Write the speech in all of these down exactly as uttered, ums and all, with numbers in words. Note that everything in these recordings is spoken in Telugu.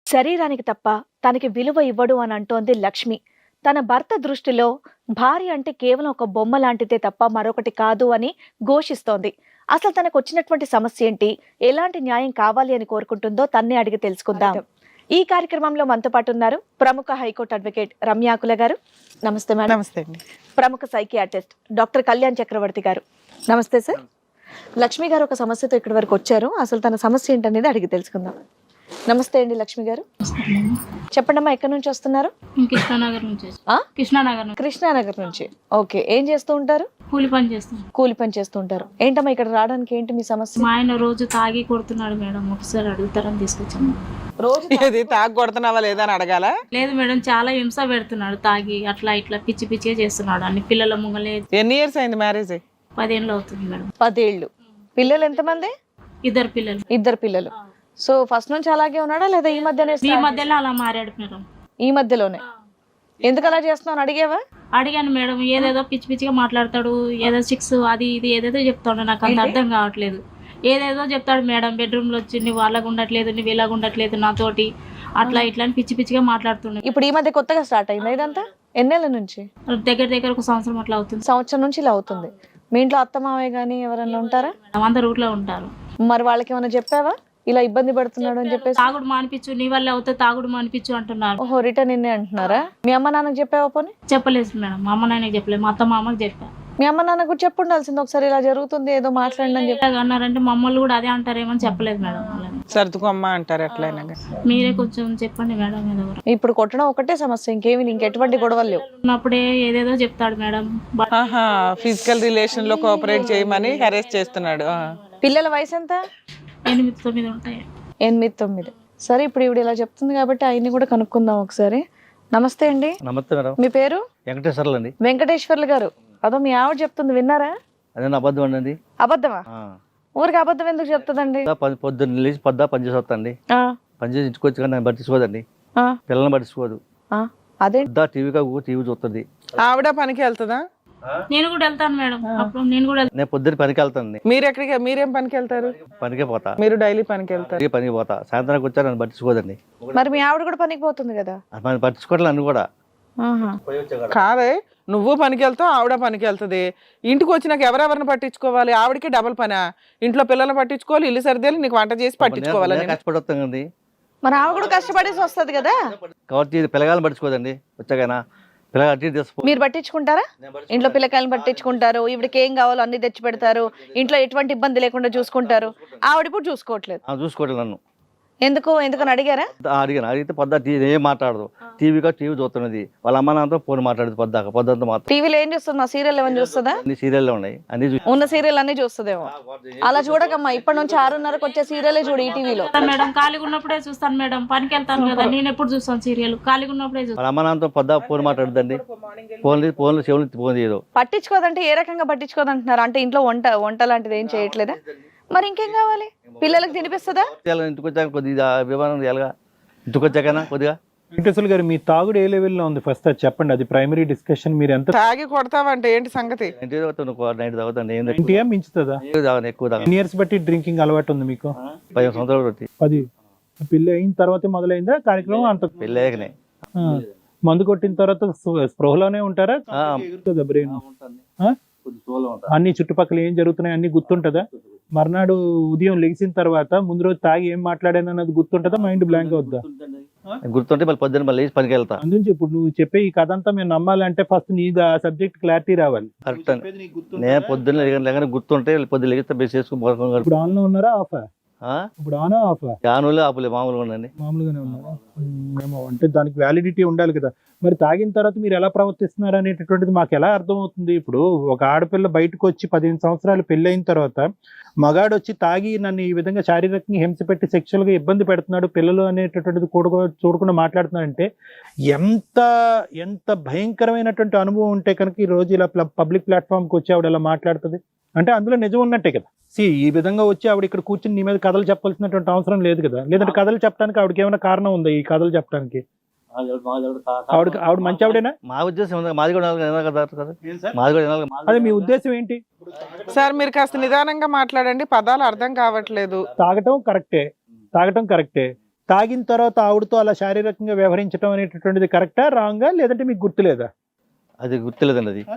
శరీరానికి తప్ప తనకి విలువ ఇవ్వడు అని అంటోంది లక్ష్మి. తన భర్త దృష్టిలో భార్య అంటే కేవలం ఒక బొమ్మ లాంటిదే తప్ప మరొకటి కాదు అని ఘోషిస్తోంది. అసలు తనకు వచ్చినటువంటి సమస్య ఏంటి, ఎలాంటి న్యాయం కావాలి అని కోరుకుంటుందో తన్నే అడిగి తెలుసుకుందాం. ఈ కార్యక్రమంలో మనతో పాటు ఉన్నారు ప్రముఖ హైకోర్టు అడ్వకేట్ రమ్యాకుల గారు. నమస్తే మేడం. నమస్తే అండి. ప్రముఖ సైకియాట్రిస్ట్ డాక్టర్ కళ్యాణ్ చక్రవర్తి గారు. నమస్తే సార్. లక్ష్మి గారు ఒక సమస్యతో ఇక్కడి వరకు వచ్చారు. అసలు తన సమస్య ఏంటనేది అడిగి తెలుసుకుందాం. నమస్తే అండి లక్ష్మి గారు. చెప్పండి అమ్మా, ఎక్కడి నుంచి వస్తున్నారు? కృష్ణానగర్ నుంచి. ఆ? కృష్ణానగర్ కృష్ణానగర్ నుంచి. ఓకే, ఏం చేస్తూ ఉంటారు? కూలి పని చేస్తాం. కూలి పని చేస్తూ ఉంటారు. ఏంటమ్మా ఇక్కడ రావడానికి ఏంటి మీ సమస్య? మా ఆయన రోజు తాగి కొడుతున్నాడు మేడం, ఒకసారి అడుగుతారని తీసుకొచ్చాము. రోజు ఇది తాగి కొడుతున్నావా లేదా అని అడగాల? లేదు మేడం, చాలా హింస పెడుతున్నాడు తాగి, అట్లా ఇట్లా పిచ్చి పిచ్చిగా చేస్తున్నాడు అన్ని పిల్లల ముంగలే. ఎన్ని ఇయర్స్ అయింది మ్యారేజ్? పదేళ్ళు అవుతుంది మేడం. పదేళ్ళు. పిల్లలు ఎంతమంది? ఇద్దరు పిల్లలు. ఇద్దరు పిల్లలు. సో ఫస్ట్ నుంచి అలాగే ఉన్నాడా లేదా ఈ మధ్యనే? ఈ మధ్యలో అలా మారాడు మేడం. ఈ మధ్యలోనే. ఎందుకు అలా చేస్తున్నావు అడిగేవా? అడిగాను మేడం, ఏదేదో పిచ్చి పిచ్చిగా మాట్లాడతాడు, ఏదో సిక్స్ అది ఇది ఏదేదో చెప్తాడు, నాకు అంత అర్థం కావట్లేదు. ఏదేదో చెప్తాడు మేడం, బెడ్రూమ్లో వచ్చి నువ్వు అలాగ ఉండట్లేదు, నువ్వు ఇలాగ ఉండట్లేదు నాతోటి, అట్లా ఇట్లా అని పిచ్చి పిచ్చిగా మాట్లాడుతున్నాడు. ఇప్పుడు ఈ మధ్య కొత్తగా స్టార్ట్ అయింది ఇదంతా? ఎన్నేళ్ళ నుంచి? దగ్గర దగ్గర ఒక సంవత్సరం అట్లా అవుతుంది. సంవత్సరం నుంచి ఇలా అవుతుంది. మీ ఇంట్లో అత్త మావయ్య కానీ ఎవరన్నా ఉంటారా? మేడం అందరు ఊర్లో ఉంటారు. మరి వాళ్ళకి ఏమైనా చెప్పావా ఇలా ఇబ్బంది పడుతున్నాడు అని చెప్పేసి? తాగుడు మానిపించు, నీ వల్ల అవుతే తాగుడు మానిపించు అంటున్నారు. ఓహో, రిటర్న్ ఇన్నే అంటున్నారా? మీ అమ్మ నాన్నకు చెప్పావా పోనీ? చెప్పలేదు మేడం, మా అమ్మ నాన్నకి చెప్పలేదు, మా అత్త మా అమ్మకి చెప్పా. మీ అమ్మ నాన్న కూడా చెప్పు ఉండాల్సింది ఒకసారి, ఇలా జరుగుతుంది ఏదో మాట్లాడండి అని చెప్పి. అన్నారంటే మా అమ్మలు కూడా అదే అంటారేమని చెప్పలేదు మేడం. సర్దుకోమ్మ అంటారు ఎట్లయినా. మీరే కొంచెం చెప్పండి మేడం. ఏదో ఇప్పుడు కొట్టడం ఒకటే సమస్య, ఇంకేమి ఇంకెటువంటి గొడవలు లేవు. ఉన్నప్పుడే ఏదేదో చెప్తాడు మేడం. ఆహా, ఫిజికల్ రిలేషన్ లో కోఆపరేట్ చేయమని హెరాస్ చేస్తున్నాడు. పిల్లల వయసు ఎంత? ఎనిమిది తొమ్మిది ఉంటాయి. ఎనిమిది తొమ్మిది. సరే, ఇప్పుడు ఇవిడ ఇలా చెప్తుంది కాబట్టి ఆయన్ని కూడా కనుక్కుందాం ఒకసారి. నమస్తే అండి. నమస్తే మేడం. మీ పేరు? వెంకటేశ్వర్లు అండి. వెంకటేశ్వర్లు గారు. అదో మీ ఆవిడ చెప్తుంది, విన్నారా? అదే అబద్ధం అండి. అబద్ధమా? ఊరికి అబద్ధం ఎందుకు చెప్తుందండి? పొద్దున్న లేచి పొద్దా పని చేసి వస్తాండి, పని చేసి ఇంటికి వచ్చి కానీ నన్ను పట్టించుకోదండి, పిల్లల్ని పట్టించుకోదు. అదే టీవీ టీవీ చూస్తుంది. ఆవిడ పనికి వెళ్తుందా? నేను కూడా వెళ్తాను మేడం, అప్పుడు నేను కూడా. నేను పొద్దున్న పనికి వెళ్తాను. మీరు ఎక్కడికి, మీరేం పనికి వెళ్తారు? పనికే పోతా. మీరు డైలీ పనికి వెళ్తారు? పనికి పోతా. సాయంత్రానికి వచ్చా నన్ను పట్టించుకోదండి. మరి మీ ఆవిడ కూడా పనికి పోతుంది కదా? నన్ను పట్టించుకోవట్లేదు నన్ను కూడా. కాదే, నువ్వు పనికి వెళ్తావు, ఆవిడ పనికి వెళ్తుంది. ఇంటికి వచ్చినాక ఎవరెవరిని పట్టించుకోవాలి? ఆవిడకి డబుల్ పనా? ఇంట్లో పిల్లల్ని పట్టించుకోవాలి, ఇల్లు సర్దేలు, నీకు వంట చేసి పట్టించుకోవాలి. కష్టపడి వస్తాం కదండి. మరి ఆవిడ కూడా కష్టపడేసి వస్తుంది కదా. కాబట్టి పిల్లగాలను పట్టించుకోదండి. వచ్చాకైనా పిల్లగా అట్టి తీసుకో. మీరు పట్టించుకుంటారా? ఇంట్లో పిల్లకాయలను పట్టించుకుంటారు, ఈవిడికి ఏం కావాలో అన్ని తెచ్చి పెడతారు, ఇంట్లో ఎటువంటి ఇబ్బంది లేకుండా చూసుకుంటారు. ఆవిడ ఇప్పుడు చూసుకోవట్లేదు. చూసుకోవట్లేదు నన్ను. ఎందుకు ఎందుకని అడిగారా? అడిగాను. అడిగితే పొద్దు టీవీ ఏం మాట్లాడదు. టీవీగా టీవీ చూస్తున్నది. వాళ్ళ అమ్మ నాన్నతో ఫోన్ మాట్లాడదు పొద్దాక. పొద్దుంతా మాత్రం టీవీలో ఏం చూస్తుంది? మా సీరియల్ ఏమైనా చూస్తుందా? అన్ని సీరియల్లో ఉన్నాయి. అన్ని ఉన్న సీరియల్ అన్ని చూస్తుందేమో. అలా చూడకమ్మా, ఇప్పటి నుంచి ఆరున్నరకు వచ్చే సీరియలే చూడు ఈ టీవీలో. మేడం ఖాళీగా ఉన్నప్పుడే చూస్తాను మేడం, పనికి వెళ్తాను కదా, నేను ఎప్పుడు చూస్తాను సీరియల్, ఖాళీగా ఉన్నప్పుడే చూస్తాను. వాళ్ళ అమ్మ నాన్నతో పొద్దా ఫోన్ మాట్లాడుదండి. ఫోన్ ఫోన్లు చెవులు ఫోన్ చేయదు. పట్టించుకోదంటే ఏ రకంగా పట్టించుకోదంటున్నారు? అంటే ఇంట్లో వంట వంట లాంటిది ఏం చేయట్లేదా? మరి ఇంకేం కావాలి? పిల్లలకు తినిపిస్తుందా? ఇంటికి వచ్చాక కొద్దిగా విమానం ఎలాగా ఇంటికి వచ్చాకనా కొద్దిగా. వెంకటేశ్వర గారు, మీ తాగుడు ఏ లెవెల్లో ఉంది ఫస్ట్ అది చెప్పండి. అది ప్రైమరీ డిస్కషన్. మీరు ఎంత తాగి కొడతావంటే ఏంటి సంగతి? నైట్ తాగుతాను. ఇంటియా మించుతుందా? ఎక్కువ తాగు. ఎన్ని ఇయర్స్ బట్టి డ్రింకింగ్ అలవాటు ఉంది మీకు? పదిహేను సంవత్సరాలు బట్టి. పది. పెళ్లి అయిన తర్వాతే మొదలైందా కార్యక్రమం? అంత పెళ్ళాకనే. మందు కొట్టిన తర్వాత స్పృహలోనే ఉంటారా? బ్రెయిన్ అన్ని చుట్టుపక్కల ఏం జరుగుతున్నాయి అన్ని గుర్తుంటదా? మర్నాడు ఉదయం లెగిసిన తర్వాత ముందు రోజు తాగి ఏం మాట్లాడాను అన్నది గుర్తుంటదా? మైండ్ బ్లాంక్ అవుద్దా? గుర్తుంటే మళ్ళీ పొద్దున్న మళ్ళీ లేచి పనికి వెళ్తా. అందుకే ఇప్పుడు నువ్వు చెప్పే ఈ కథ అంతా మేము నమ్మాలంటే ఫస్ట్ నీ సబ్జెక్ట్ క్లారిటీ రావాలి. కరెక్ట్. నేను పొద్దున్న లేక గుర్తుంటే పొద్దున్న లేగితే బెస్ చేసుకుని. ఇప్పుడు ఆన్ లో ఉన్నారా ఆఫా? ఇప్పుడు ఆన్ ఆఫ్? ఆనులే ఆపులే, మామూలుగా ఉండండి. మామూలుగానే ఉన్నారా? మేము అంటే దానికి వ్యాలిడిటీ ఉండాలి కదా. మరి తాగిన తర్వాత మీరు ఎలా ప్రవర్తిస్తున్నారు అనేటటువంటిది మాకు ఎలా అర్థమవుతుంది? ఇప్పుడు ఒక ఆడపిల్ల బయటకు వచ్చి పదిహేను సంవత్సరాలు పెళ్లి అయిన తర్వాత మగాడు వచ్చి తాగి నన్ను ఈ విధంగా శారీరకంగా హింస పెట్టి సెక్షువల్ గా ఇబ్బంది పెడుతున్నాడు, పిల్లలు అనేటటువంటిది కూడా చూడకుండా మాట్లాడుతున్నాడంటే ఎంత ఎంత భయంకరమైనటువంటి అనుభవం ఉంటే కనుక ఈ రోజు ఇలా పబ్లిక్ ప్లాట్ఫామ్ కి వచ్చి ఆవిడ ఇలా మాట్లాడుతుంది అంటే అందులో నిజం ఉన్నట్టే కదా. సి ఈ విధంగా వచ్చి ఆవిడ ఇక్కడ కూర్చుని నీ మీద కథలు చెప్పాల్సినటువంటి అవసరం లేదు కదా. లేదంటే కథలు చెప్పడానికి ఆవిడకి ఏమైనా కారణం ఉందా ఈ కథలు చెప్పడానికి? ఆవిడ ఆవిడ మంచి ఆవిడేనా? మా ఉద్దేశం మాది కూడా మాది కూడా. అదే మీ ఉద్దేశం ఏంటి సార్? మీరు కాస్త నిదానంగా మాట్లాడండి, పదాలు అర్థం కావట్లేదు. తాగటం కరెక్టే, తాగటం కరెక్టే. తాగిన తర్వాత ఆవిడతో అలా శారీరకంగా వ్యవహరించడం అనేటటువంటిది కరెక్టా రాంగా, లేదంటే మీకు గుర్తులేదా? అది గుర్తులేదండి అది.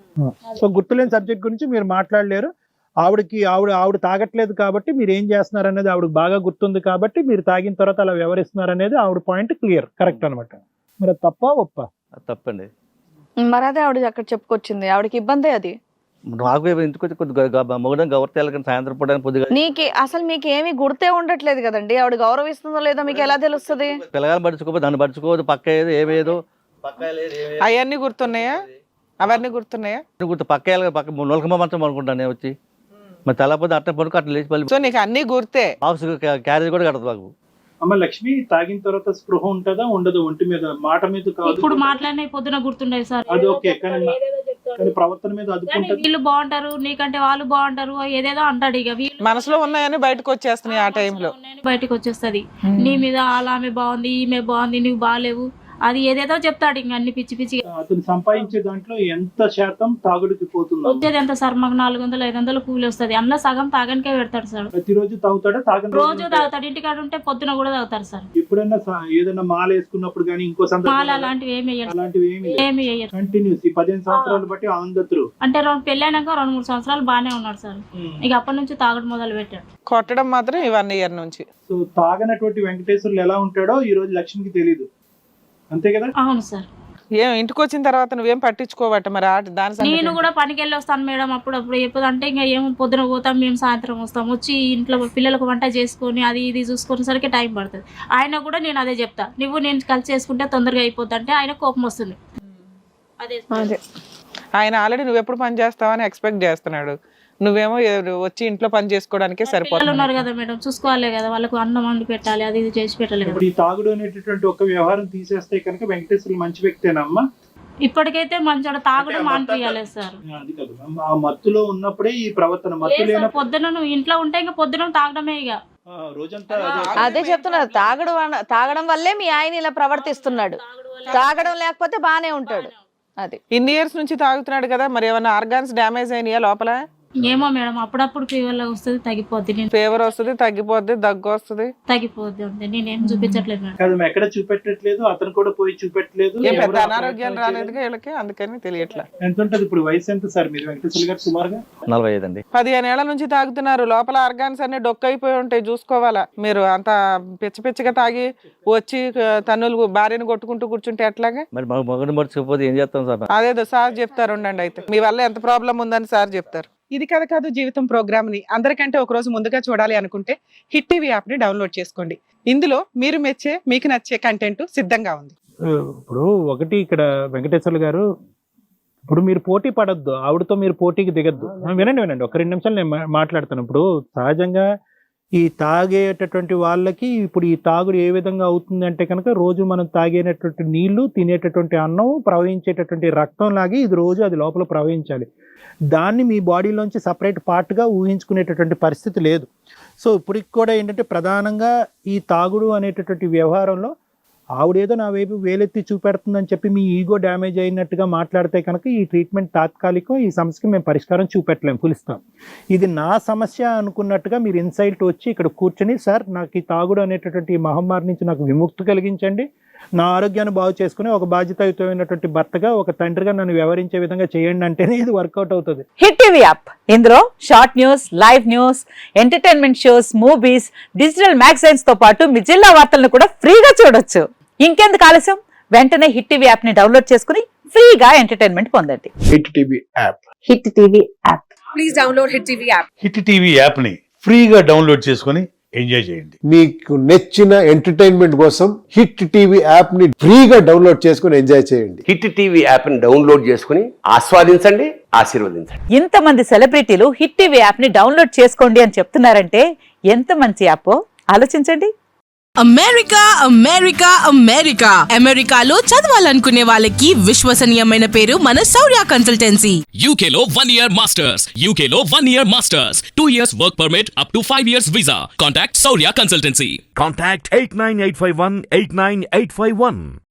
సో గుర్తులేని సబ్జెక్ట్ గురించి మీరు మాట్లాడలేరు. ఆవిడకి ఆవిడ ఆవిడ తాగట్లేదు కాబట్టి మీరు ఏం చేస్తున్నారు అనేది ఆవిడకి బాగా గుర్తుంది కాబట్టి మీరు తాగిన తర్వాత అలా వ్యవహరిస్తున్నారు అనేది ఆవిడ పాయింట్ క్లియర్, కరెక్ట్ అనమాట. మరి అది తప్ప ఒప్ప? అది తప్పండి. మరి అదే ఆవిడ అక్కడ చెప్పుకొచ్చింది, ఆవిడకి ఇబ్బందే అది. నాకు ఇంటికి వచ్చి కొద్దిగా మొగడం గవర్తెలు కానీ సాయంత్రం పూట పొద్దుగా నీకు అసలు మీకు ఏమీ గుర్తే ఉండట్లేదు కదండి, ఆవిడ గౌరవిస్తుందో లేదో మీకు ఎలా తెలుస్తుంది? పిల్లగాని పడుచుకోపోతే దాన్ని పడుచుకోవద్దు, పక్క ఏదో ఏమేదో పక్క అవన్నీ గుర్తున్నాయా? అవన్నీ గుర్తున్నాయా? గుర్తు పక్క వెళ్ళగా పక్క నొలకమ్మ మంచం అనుకుంటాను నేను వచ్చి, మరి తెల్లపోతే అట్ట పడుకో అట్లా లేచి పల్లి. సో నీకు అన్ని గుర్తే? బాక్స్ క్యారేజ్ కూడా కడదు మాకు. అమ్మ లక్ష్మి, తాగిన తర్వాత స్పృహ ఉంటుందా ఉండదు? ఒంటి మీద మాట మీద కాదు, ఇప్పుడు మాట్లాడిన పొద్దున గుర్తుండేది సార్. అది ఓకే, కానీ కానీ ప్రవర్తన మీద అదుపు కానీ ఉంటుంది. వీళ్ళు బాగుంటారు, నీకంటే వాళ్ళు బాగుంటారు, ఏదేదో అంటాడు. ఇక వీళ్ళు మనసులో ఉన్నాయని బయటకు వచ్చేస్తున్నాయి ఆ టైంలో, బయటకు వచ్చేస్తది. నీ మీద అలా ఆమె బాగుంది, ఈమె బాగుంది, నువ్వు బాగాలేవు, అది ఏదేదో చెప్తాడు. ఇంక అన్ని పిచ్చి పిచ్చి. అతను సంపాదించే దాంట్లో ఎంత శాతం తాగుడికి పోతుంది? వచ్చేది ఎంత సార్? మాకు నాలుగు వందలు ఐదు వందలు కూలి వస్తుంది, అందులో సగం తాగనికే పెడతాడు సార్. ప్రతిరోజు తాగుతాడా? తాగని రోజు తాగుతాడు, ఇంటికాడ ఉంటే పొద్దున కూడా తాగుతారు సార్. ఎప్పుడైనా స- ఏదైనా మాల వేసుకున్నప్పుడు కానీ ఇంకో మాల సందర్భంలో అలాంటివి ఏమి వేయడు, అలాంటివి ఏమి ఏమి వేయరు. కంటిన్యూస్ ఈ పదిహేను సంవత్సరాలు బట్టి ఆంధ్రు. అంటే రెండు పెళ్ళైనాక రెండు మూడు సంవత్సరాలు బాగానే ఉన్నాడు సార్. ఇక అప్పటి నుంచి తాగడం మొదలు పెట్టాడు. కొట్టడం మాత్రం ఈ వన్ ఇయర్ నుంచి. సో తాగనటువంటి వెంకటేశ్వర్లు ఎలా ఉంటాడో ఈ రోజు లక్ష్మికి తెలియదు, అంతే కదా? అవును సార్. ఏం ఇంటికి వచ్చిన తర్వాత నువ్వేం పట్టించుకోవట మరి ఆ దాని సంగతి నేను ఏంటి? కూడా పనికి వెళ్ళి వస్తాను మేడం అప్పుడప్పుడు. ఎప్పుడు అంటే ఇంకా ఏమో పొద్దున పోతాం, మేము సాయంత్రం వస్తాం. వచ్చి ఇంట్లో పిల్లలకు వంట చేసుకొని అది ఇది చూసుకునేసరికి టైం పడుతుంది. ఆయన కూడా నేను అదే చెప్తా, నువ్వు నేను కలిసి చేసుకుంటే తొందరగా అయిపోద్ది అంటే ఆయన కోపం వస్తుంది. అదే అదే ఆయన ఆల్రెడీ నువ్వు ఎప్పుడు పని చేస్తావని ఎక్స్పెక్ట్ చేస్తున్నాడు, నువ్వేమో ఏ- వచ్చి ఇంట్లో పని చేసుకోవడానికే పిల్లలు సరిపోతుంది. ఉన్నారు కదా మేడం, చూసుకోవాలి కదా, వాళ్ళకు అన్నం వండి పెట్టాలి, అది ఇది చేసి పెట్టాలి కదా. ఇప్పుడు ఈ తాగుడు అనేటటువంటి ఒక వ్యవహారం తీసేస్తే కనుక వెంకటేశ్వర్లు మంచి వ్యక్తేనమ్మా? ఇప్పటికైతే మంచిగా తాగడం మానిపించాలి సార్. అది కాదు, ఆ మత్తులో ఉన్నప్పుడే ఈ ప్రవర్తన, మత్తు లేదు సార్, లేనప్పుడు పొద్దున నువ్వు ఇంట్లో ఉంటే ఇంకా పొద్దున తాగడమే ఇక. ఆ, రోజంతా అదే. అదే చెప్తున్నారు, తాగడం వల్ల- తాగడం వల్లే మీ ఆయన ఇలా ప్రవర్తిస్తున్నాడు, తాగడం లేకపోతే బానే ఉంటాడు. అది ఇన్ని ఇయర్స్ నుంచి తాగుతున్నాడు కదా, మరి ఏమైనా ఆర్గాన్స్ డ్యామేజ్ అయినాయా లోపల? ఏమో మేడం, అప్పుడప్పుడు ఫీవర్ వస్తుంది, తగ్గిపోద్ది. నేను ఫీవర్ వస్తుంది, తగ్గిపోద్ది, దగ్గు వస్తుంది. తగ్గిపోద్ది అంతే, నేనేం చూపించట్లేదు మేడం. కాదు, మేము ఎక్కడ చూపెట్టట్లేదు, అతను కూడా పోయి చూపెట్టలేదు. ఏం పెద్ద ఎవరు ఆ అనారోగ్యాలు ప్రయత్నం రాలేదు వీళ్ళకి, అందుకని తెలియట్లా. చేయలేదు. ఎంత ఉంటది ఇప్పుడు వయసు ఎంత సార్ మీరు వెంకటేశ్వర గారు సుమారుగా? నలభై ఐదు అండి. పదిహేను ఏళ్ల నుంచి తాగుతున్నారు, లోపల ఆర్గాన్స్ అన్ని డొక్కు అయిపోయి ఉంటాయి, చూసుకోవాలా. మీరు అంత పిచ్చ పిచ్చగా తాగి వచ్చి తన్నులు భార్యను కొట్టుకుంటూ కూర్చుంటే ఎట్లాగా? మరి మా మొగడు మర్చిపోతే ఏం చేస్తాం సార్? అదేదో సార్ చెప్తారు, ఉండండి. అయితే మీ వల్ల ఎంత ప్రాబ్లం ఉందని సార్ చెప్తారు. ఇది కథ కాదు జీవితం ప్రోగ్రామ్ ని అందరికంటే ఒక రోజు ముందుగా చూడాలి అనుకుంటే హిట్ టీవీ యాప్ ని డౌన్లోడ్ చేసుకోండి. ఇందులో మీరు మెచ్చే, మీకు నచ్చే కంటెంట్ సిద్ధంగా ఉంది. ఇప్పుడు ఒకటి ఇక్కడ వెంకటేశ్వర్లు గారు, ఇప్పుడు మీరు పోటీ పడద్దు, ఆవిడతో మీరు పోటీకి దిగద్దు. వినండి వినండి ఒక రెండు నిమిషాలు నేను మా- మాట్లాడతాను. ఇప్పుడు సహజంగా ఈ తాగేటటువంటి వాళ్ళకి ఇప్పుడు ఈ తాగుడు ఏ విధంగా అవుతుంది అంటే కనుక, రోజు మనం తాగేటటువంటి నీళ్లు, తినేటటువంటి అన్నం, ప్రవహించేటటువంటి రక్తం లాగి ఇది రోజు అది లోపల ప్రవహించాలి. దాన్ని మీ బాడీలోంచి సపరేట్ పార్ట్గా ఊహించుకునేటటువంటి పరిస్థితి లేదు. సో ఇప్పటికి కూడా ఏంటంటే ప్రధానంగా ఈ తాగుడు అనేటటువంటి వ్యవహారంలో ఆవిడేదో నా వైపు వేలెత్తి చూపెడుతుందని చెప్పి మీ ఈగో డ్యామేజ్ అయినట్టుగా మాట్లాడితే కనుక ఈ ట్రీట్మెంట్ తాత్కాలికం, ఈ సమస్యకి మేము పరిష్కారం చూపెట్టలేము, పులిస్తాం. ఇది నా సమస్య అనుకున్నట్టుగా మీరు ఇన్సైట్ వచ్చి ఇక్కడ కూర్చొని, సార్ నాకు ఈ తాగుడు అనేటటువంటి ఈ మహమ్మారి నుంచి నాకు విముక్తి కలిగించండి, నా ఆరోగ్యాన్ని బాగు చేసుకుని ఒక బాధ్యతాయుతమైనటువంటి భర్తగా, ఒక తండ్రిగా నన్ను వ్యవహరించే విధంగా చేయండి అంటేనే ఇది వర్కౌట్ అవుతుంది. హిట్ టీవీ యాప్ ఇందులో short news, live news, entertainment shows, movies, digital magazines తో పాటు మీ జిల్లా వార్తలను కూడా ఫ్రీగా చూడొచ్చు. ఇంకెందుకు ఆలస్యం, వెంటనే హిట్ టీవీ యాప్ ని డౌన్లోడ్ చేసుకుని ఫ్రీగా ఎంటర్టైన్మెంట్ పొందండి. Hit TV app hit TV app please download hit TV app. Hit TV app ని ఫ్రీగా డౌన్లోడ్ చేసుకొని ఎంజాయ్ చేయండి. మీకు నచ్చిన ఎంటర్టైన్మెంట్ కోసం హిట్ టీవీ యాప్ ని ఫ్రీగా డౌన్లోడ్ చేసుకొని ఎంజాయ్ చేయండి. హిట్ టీవీ యాప్ ని డౌన్లోడ్ చేసుకుని ఆస్వాదించండి, ఆశీర్వదించండి. ఇంతమంది సెలబ్రిటీలు హిట్ టీవీ యాప్ ని డౌన్లోడ్ చేసుకోండి అని చెప్తున్నారంటే ఎంత మంచి యాప్ ఆలోచించండి. అమెరికా అమెరికా అమెరికా అమెరికాలో చదవాలనుకునే వాళ్ళకి విశ్వసనీయమైన పేరు మన శౌర్య కన్సల్టెన్సీ. U K లో one year masters, U K లో one year masters, two years work permit up to five years visa. Contact Saurya Consultancy. Contact eight nine eight five one eight nine eight five one.